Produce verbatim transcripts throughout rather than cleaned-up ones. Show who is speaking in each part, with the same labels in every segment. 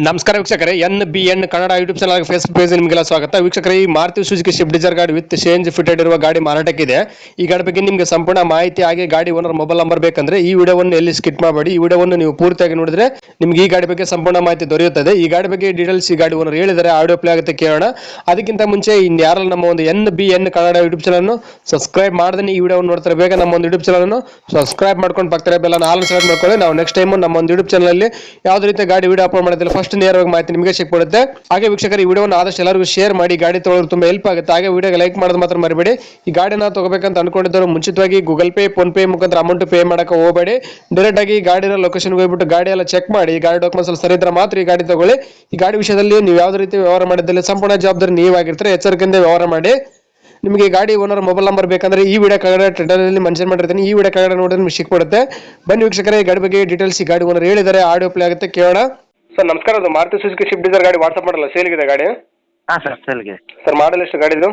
Speaker 1: ನಮಸ್ಕಾರ ವೀಕ್ಷಕರೇ, N B N Kannada YouTube channel Facebook page ನಿಮಗೆಲ್ಲ ಸ್ವಾಗತ. ವೀಕ್ಷಕರೇ, ಈ ಮಾರುತಿ ಸುಜುಕಿ ಸ್ವಿಫ್ಟ್ ಡಿಸೈರ್ ಗಾಡಿ ವಿತ್ ಚೇಂಜ್ ಫಿಟೆಡ್ ಇರುವ ಗಾಡಿ ಮಾರಾಟಕ್ಕಿದೆ. ಈ ಗಾಡಿ ಬಗ್ಗೆ ನಿಮಗೆ ಸಂಪೂರ್ಣ ಮಾಹಿತಿ ಹಾಗೆ ಗಾಡಿ ಓನರ್ ಮೊಬೈಲ್ ನಂಬರ್ ಬೇಕಂದ್ರೆ ಈ ವಿಡಿಯೋವನ್ನು ಎಲ್ಲಿ ಸ್ಕಿಪ್ ಮಾಡಬೇಡಿ. ಈ ವಿಡಿಯೋವನ್ನು ನೀವು ಪೂರ್ತಿಯಾಗಿ ನೋಡಿದ್ರೆ ನಿಮಗೆ ಈ ಗಾಡಿ ಬಗ್ಗೆ ಸಂಪೂರ್ಣ ಮಾಹಿತಿ ದೊರೆಯುತ್ತದೆ. ಈ ಗಾಡಿ ಬಗ್ಗೆ ಡೀಟೇಲ್ಸ್ ಈ ಗಾಡಿ ಓನರ್ ಹೇಳಿದರೆ ಆಡಿಯೋ ಪ್ಲೇ ಆಗುತ್ತೆ, ಕೇಳೋಣ. ಅದಕ್ಕಿಂತ ಮುಂಚೆ ಇನ್ನು ಯಾರಲ್ಲ ನಮ್ಮ ಒಂದು N B N Kannada YouTube channel subscribe ಮಾಡದೇ ಈ ವಿಡಿಯೋವನ್ನು ನೋಡ್ತಾರೆ, ಬೇಗ ನಮ್ಮ ಒಂದು ಯೂಟ್ಯೂಬ್ ಚಾನಲ್ ಸಬ್ಸ್ಕ್ರೈಬ್ ಮಾಡ್ಕೊಂಡು ಬರ್ತಾರೆ, ಬೆಲ್ಲ ಆಲ್ ಸೆಲೆಕ್ಟ್ ಮಾಡ್ಕೊಳ್ಳಿ. ನಾವು ನೆಕ್ಸ್ಟ್ ಟೈಮ್ ನಮ್ಮ ಒಂದು ಯೂಟ್ಯೂಬ್ ಚಾನಲ್ ಅಲ್ಲಿ ಯಾವುದೇ ರೀತಿ ಗಾಡಿ ವಿಡಿಯೋ ಅಪ್ಲೋಡ್ ಮಾಡೋದಿಲ್ಲ, ಫಸ್ಟ್ ನೇರವಾಗಿ ಮಾಹಿತಿ ನಿಮಗೆ ಸಿಕ್ಬಿಡುತ್ತೆ. ಹಾಗೆ ವೀಕ್ಷಕರು, ಈ ವಿಡಿಯೋನ ಆದಷ್ಟು ಎಲ್ಲರಿಗೂ ಶೇರ್ ಮಾಡಿ, ಗಾಡಿ ತೊಗೊಳ್ಳೋರು ತುಂಬಾ ಹೆಲ್ಪ್ ಆಗುತ್ತೆ. ಹಾಗೆ ವಿಡಿಯೋಗೆ ಲೈಕ್ ಮಾಡೋದು ಮಾತ್ರ ಮರಿಬೇಡಿ. ಈ ಗಾಡಿನ ತಗೋಬೇಕಂತ ಅನ್ಕೊಂಡಿದ್ದವರು ಮುಂಚಿತವಾಗಿ ಗೂಗಲ್ ಪೇ, ಫೋನ್ ಪೇ ಮುಖಾಂತರ ಅಮೌಂಟ್ ಪೇ ಮಾಡಕ್ಕೆ ಹೋಗಬೇಡಿ. ಡೈರೆಕ್ಟ್ ಆಗಿ ಗಾಡಿನ ಲೊಕೇಶನ್ ಹೋಗ್ಬಿಟ್ಟು ಗಾಡಿ ಎಲ್ಲ ಚೆಕ್ ಮಾಡಿ, ಗಾಡಿ ಡಾಕ್ಯುಮೆಂಟ್ಸ್ ಸರಿ ಇದ್ರೆ ಮಾತ್ರ ಈ ಗಾಡಿ ತಗೊಳ್ಳಿ. ಈ ಗಾಡಿ ವಿಷಯದಲ್ಲಿ ನೀವು ಯಾವುದೇ ರೀತಿ ವ್ಯವಹಾರ ಮಾಡಿದಲ್ಲಿ ಸಂಪೂರ್ಣ ಜವಾಬ್ದಾರಿ ನೀವಾಗಿರ್ತಾರೆ, ಎಚ್ಚರಿಕೆಯಿಂದ ವ್ಯವಹಾರ ಮಾಡಿ. ನಿಮಗೆ ಗಾಡಿ ಓನರ್ ಮೊಬೈಲ್ ನಂಬರ್ ಬೇಕಂದ್ರೆ ಈ ವಿಡಿಯೋ ಕೆಳಗಡೆ ಟೈಟಲಲ್ಲಿ ಮೆನ್ಷನ್ ಮಾಡಿರ್ತೀನಿ, ಈ ವಿಡಿಯೋ ಕೆಳಗಡೆ ನೋಡಿದ್ರೆ ನಿಮಗೆ ಸಿಕ್ಬಿಡುತ್ತೆ. ಬನ್ನಿ ವೀಕ್ಷಕರೇ, ಈ ಗಾಡಿ ಬಗ್ಗೆ ಡೀಟೇಲ್ಸ್ ಈ ಗಾಡಿ ಓನರ್ ಹೇಳಿದ್ದಾರೆ, ಆಡಿಯೋ ಪ್ಲೇ ಆಗುತ್ತೆ, ಕೇಳೋಣ. ಸರ್ ನಮಸ್ಕಾರ, ಅದು ಮಾರುತಿ ಸುಜುಕಿ ಸ್ವಿಫ್ಟ್ ಡಿಸೈರ್ ಗಾಡಿ ವಾಟ್ಸಪ್ ಮಾಡಲ್ಲ, ಸೇಲ್ಗಿದೆ ಗಾಡಿ?
Speaker 2: ಹಾಂ ಸರ್, ಸೇಲ್ಗಿದೆ.
Speaker 1: ಸರ್ ಮಾಡಲ್ ಎಷ್ಟು ಗಾಡಿದು?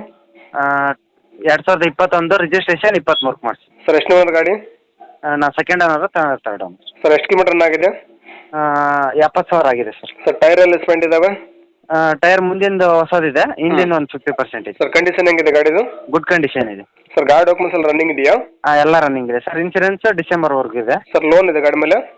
Speaker 2: ಎರಡು ಸಾವಿರದ ಇಪ್ಪತ್ತೊಂದು, ರಿಜಿಸ್ಟ್ರೇಷನ್ ಇಪ್ಪತ್ತ್ಮೂರಕ್ಕೆ ಮಾಡಿಸಿ.
Speaker 1: ಸರ್ ಎಷ್ಟು ಓನರ್ ಗಾಡಿ?
Speaker 2: ನಾ second owner, third owner.
Speaker 1: Sir ಎಷ್ಟು ಕಿಲೋಮೀಟರ್ ರನ್ ಆಗಿದೆ?
Speaker 2: ಎಪ್ಪತ್ತು ಸಾವಿರ ಆಗಿದೆ ಸರ್.
Speaker 1: ಸರ್ ಟೈರ್ ಎಲ್ಲ ಸ್ಪೆಂಡ್ ಇದಾವೆ?
Speaker 2: ಟೈರ್ ಮುಂದಿಂದು ಹೊಸದಿದೆ, ಹಿಂದಿನ ಒಂದು ಫಿಫ್ಟಿ ಪರ್ಸೆಂಟ್ ಇದೆ.
Speaker 1: ಸರ್ ಕಂಡೀಷನ್ ಹೆಂಗಿದೆ ಗಾಡಿದು?
Speaker 2: ಗುಡ್ ಕಂಡೀಷನ್ ಇದೆ
Speaker 1: ಸರ್. ಗಾಡಿ ಡಾಕ್ಯುಮೆಂಟ್ಸ್ ಎಲ್ಲ ರನ್ನಿಂಗ್ ಇದೆಯಾ?
Speaker 2: ಹಾಂ, ಎಲ್ಲ ರನ್ನಿಂಗ್ ಇದೆ ಸರ್. ಇನ್ಸೂರೆನ್ಸ್ ಡಿಸೆಂಬರ್ವರೆಗೂ ಇದೆ
Speaker 1: ಸರ್. ಲೋನ್ ಇದೆ ಗಾಡಿ ಮೇಲೆ?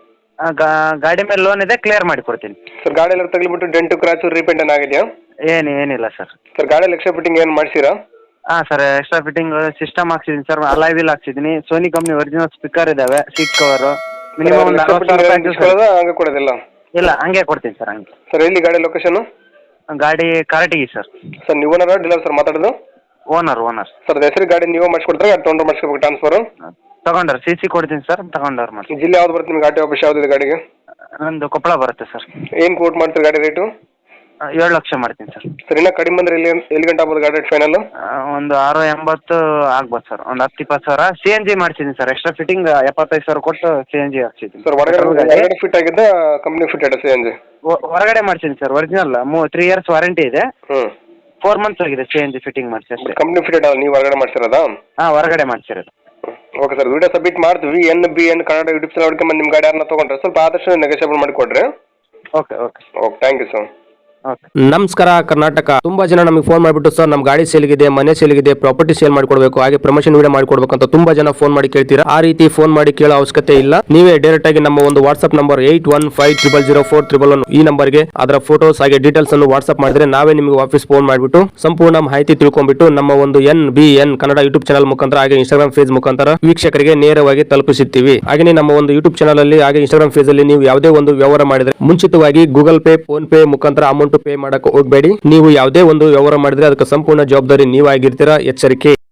Speaker 2: ಗಾಡಿ ಮೇಲೆ ಲೋನ್ ಇದೆ, ಕ್ಲಿಯರ್ ಮಾಡಿ ಕೊಡ್ತೀನಿ
Speaker 1: ಸರ್. ಗಾಡಿ ಎಲ್ಲ ತಗಲಿಬಿಟ್ಟು ಡೆಂಟು ಕ್ರಾಚು ರೀಪೇಂಟ್ ಏನಾಗಿದೆಯಾ?
Speaker 2: ಏನು ಏನಿಲ್ಲ ಸರ್.
Speaker 1: ಸರ್ ಗಾಡಿಯಲ್ಲಿ ಎಕ್ಸ್ಟ್ರಾ ಫಿಟ್ಟಿಂಗ್ ಏನು ಮಾಡಿಸಿರಾ?
Speaker 2: ಹಾಂ ಸರ್, ಎಕ್ಸ್ಟ್ರಾ ಫಿಟ್ಟಿಂಗ್ ಸಿಸ್ಟಮ್ ಹಾಕ್ಸಿದ್ದೀನಿ ಸರ್, ಅಲಾಯ್ ವೀಲ್ ಹಾಕ್ಸಿದ್ದೀನಿ, ಸೋನಿ ಕಂಪ್ನಿ ಒರಿಜಿನಲ್ ಸ್ಪೀಕರ್ ಇದಾವೆ, ಸೀಟ್ ಕವರು. ಮಿನಿಮಮ್ ಒಂದು ಅರವತ್ತು ಸಾವಿರ ರೂಪಾಯಿ.
Speaker 1: ಹಂಗೆ ಕೊಡೋದಿಲ್ಲ?
Speaker 2: ಇಲ್ಲ, ಹಂಗೆ ಕೊಡ್ತೀನಿ ಸರ್. ಹಂಗೆ
Speaker 1: ಸರ್. ಎಲ್ಲಿ ಗಾಡಿ ಲೊಕೇಶನ್?
Speaker 2: ಗಾಡಿ ಕಾರಟಗಿ ಸರ್.
Speaker 1: ಸರ್ ನೀವು ಓನರ್ ಡೀಲರ್ ಸರ್ ಮಾತಾಡೋದು?
Speaker 2: Owner owner
Speaker 1: sir. ಹೆಸರು ಗಾಡಿ ನೀವು ಮಾಡಿಸ್ಕೊಡ್ತಾರೆ, ಗಾಡಿ ತೊಗೊಂಡ್ರೆ ಮಾಡಿಸ್ಕೋಬೇಕು ಟ್ರಾನ್ಸ್ಫರ್?
Speaker 2: ತಗೊಂಡ್ರೆ ಸಿ ಸಿ ಕೊಡ್ತೀನಿ ಸರ್, ತಗೊಂಡವ್ರು ಮಾಡಿ.
Speaker 1: ಜಿಲ್ಲೆ ಯಾವ್ದು ಬರುತ್ತೆ ನಿಮ್ಗೆ? ಗಾಡಿ ಆಫೀಸ್ ಯಾವುದಿದೆ ಗಾಡಿಗೆ?
Speaker 2: ನಂದು ಕೊಪ್ಪಳ ಬರುತ್ತೆ ಸರ್.
Speaker 1: ಏನು ಕೋಟ್ ಮಾಡ್ತೀರಿ ಗಾಡಿ ರೇಟು?
Speaker 2: ಏಳು ಲಕ್ಷ ಮಾಡ್ತೀನಿ ಸರ್.
Speaker 1: ಸರ್ ಇನ್ನೂ ಕಡಿಮೆ ಬಂದರೆ ಎಲ್ಲಿ ಎಲ್ಲಿ ಗಂಟೆ ಆಗ್ಬೋದು ಗಾಡಿ ರೇಟ್ ಫೈನಲ್?
Speaker 2: ಒಂದು ಆರು ಎಂಬತ್ತು ಆಗ್ಬೋದು ಸರ್, ಒಂದು ಹತ್ತು ಇಪ್ಪತ್ತು ಸಾವಿರ. ಸಿ ಎನ್ ಜಿ ಮಾಡ್ಸಿದ್ದೀನಿ ಸರ್, ಎಕ್ಸ್ಟ್ರಾ ಫಿಟ್ಟಿಂಗ್ ಎಪ್ಪತ್ತೈದು ಸಾವಿರ ಕೊಟ್ಟು ಸಿ ಎನ್ ಜಿ ಹಾಕ್ಸಿದ್ದೀನಿ
Speaker 1: ಸರ್. ಹೊರಗಡೆ ಫಿಟ್ ಆಗಿದ್ದ ಕಂಪ್ನಿ ಫಿಟ್ ಆಗಿದೆ ಸಿ ಎನ್ ಜಿ?
Speaker 2: ಹೊರಗಡೆ ಮಾಡ್ಸಿದ್ದೀನಿ ಸರ್, ಒರಿಜಿನಲ್ ಮೂ ತ್ರೀ ಇಯರ್ಸ್ ವಾರಂಟಿ ಇದೆ.
Speaker 1: ಹ್ಞೂ.
Speaker 2: ಫೋರ್ ಮಂತ್ಸ್ ಆಗಿದೆ ಸಿ ಎನ್ ಜಿ ಫಿಟ್ಟಿಂಗ್ ಮಾಡಿಸಿ ಅಷ್ಟೇ.
Speaker 1: ಕಂಪ್ನಿ ಫಿಟ್ ಅಲ್ಲ, ನೀವು ಹೊರಗಡೆ ಮಾಡ್ಸಿರೋದಾ?
Speaker 2: ಹಾಂ, ಹೊರಗಡೆ ಮಾಡ್ಸಿರೋದು.
Speaker 1: ಓಕೆ ಸರ್, ವಿಡಿಯೋ ಸಬ್ಮಿಟ್ ಮಾಡ್ತೀವಿ. N B N Kannada YouTube channel ಹುಡ್ಕೊಂಬಂದು ನಿಮ್ಮ ಗಾಡಿ ಯಾರನ್ನ ತೊಗೊಂಡ್ರೆ ಸ್ವಲ್ಪ ಆದಷ್ಟು ನೆಗೋಷಿಯೇಬಲ್ ಮಾಡಿ ಕೊಡ್ರಿ.
Speaker 2: Okay okay
Speaker 1: okay, thank you sir.
Speaker 3: ನಮಸ್ಕಾರ ಕರ್ನಾಟಕ. ತುಂಬಾ ಜನ ನಮಗೆ ಫೋನ್ ಮಾಡಿಬಿಟ್ಟು ಸರ್ ನಮ್ಮ ಗಾಡಿ ಸೇಲ್ಗಿದೆ, ಮನೆ ಸೇಲ್ಗಿದೆ, ಪ್ರಾಪರ್ಟಿ ಸೇಲ್ ಮಾಡ್ಕೊಡ್ಬೇಕು, ಹಾಗೆ ಪ್ರಮೋಷನ್ ವಿಡಿಯೋ ಮಾಡ್ಕೊಡ್ಬೇಕು ಅಂತ ತುಂಬಾ ಜನ ಫೋನ್ ಮಾಡಿ ಕೇಳ್ತೀರಾ. ಆ ರೀತಿ ಫೋನ್ ಮಾಡಿ ಕೇಳೋ ಅವಶ್ಯಕತೆ ಇಲ್ಲ. ನೀವೇ ಡೈರೆಕ್ಟ್ ಆಗಿ ನಮ್ಮ ಒಂದು WhatsApp number eight one five triple zero four triple one ಈ ನಂಬರ್ಗೆ ಅದರ ಫೋಟೋಸ್ ಹಾಗೆ ಡೀಟೇಲ್ಸ್ ಅನ್ನು ವಾಟ್ಸ್ಆಪ್ ಮಾಡಿದ್ರೆ ನಾವೇ ನಿಮಗೆ ವಾಪಸ್ ಫೋನ್ ಮಾಡಿಬಿಟ್ಟು ಸಂಪೂರ್ಣ ಮಾಹಿತಿ ತಿಳ್ಕೊಂಡ್ಬಿಟ್ಟು ನಮ್ಮ ಒಂದು N B N Kannada YouTube channel ಮುಖಾಂತರ ಹಾಗೆ ಇನ್ಸ್ಟಾಗ್ರಾಮ್ ಪೇಜ್ ಮುಖಾಂತರ ವೀಕ್ಷಕರಿಗೆ ನೇರವಾಗಿ ತಲುಪಿಸುತ್ತೀವಿ. ಹಾಗೆ ನಮ್ಮ ಒಂದು ಯೂಟ್ಯೂಬ್ ಚಾನಲ್ ಅಲ್ಲಿ ಹಾಗೆ ಇನ್ಸ್ಟಾಗ್ರಾಮ್ ಪೇಜ್ ಅಲ್ಲಿ ನೀವು ಯಾವುದೇ ಒಂದು ವ್ಯವಹಾರ ಮಾಡಿದ್ರೆ ಮುಂಚಿತವಾಗಿ ಗೂಗಲ್ ಪೇ, ಫೋನ್ ಪೇ ಮುಖಾಂತರ ಅಮೌಂಟ್ ಪೇ ಮಾಡಕ್ಕೆ ಹೋಗಬೇಡಿ. ನೀವು ಯಾವುದೇ ಒಂದು ವ್ಯವಹಾರ ಮಾಡಿದ್ರೆ ಅದಕ್ಕೆ ಸಂಪೂರ್ಣ ಜವಾಬ್ದಾರಿ ನೀವಾಗಿರ್ತೀರಾ, ಎಚ್ಚರಿಕೆ.